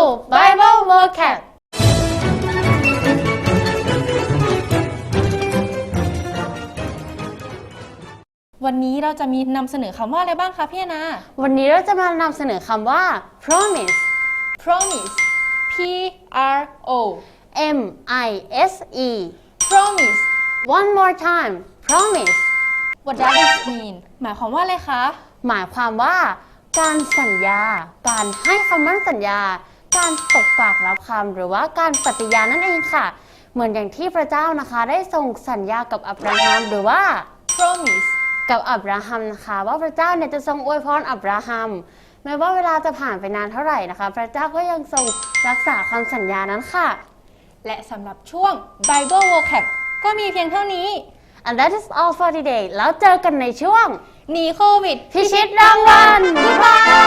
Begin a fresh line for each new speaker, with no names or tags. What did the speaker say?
Bible Vocab
วันนี้เราจะมีนำเสนอคำว่าอะไรบ้างคะพี่แอนนา
วันนี้เราจะมานำเสนอคำว่า promise
promise P R O
M I S E
promise
One more time promise
what does it mean หมายความว่าอะไรคะ
หมายความว่า การสัญญา การให้คำมั่นสัญญา การตกปากรับคำหรือว่าการปฏิญาณนั่นเองค่ะ เหมือนอย่างที่พระเจ้านะคะได้ทรงสัญญากับอับราฮัมหรือว่า
promise
กับอับราฮัมนะคะว่าพระเจ้าเนี่ยจะทรงอวยพรอับราฮัมแม้ว่าเวลาจะผ่านไปนานเท่าไหร่นะคะพระเจ้าก็ยังทรงรักษาคำสัญญานั้นค่ะ
และสำหรับช่วง Bible Vocab ก็มีเพียงเท่านี้
and that is all for today แล้วเจอกันในช่วง
หนีโควิด
พิชิตรางวัล
Goodbye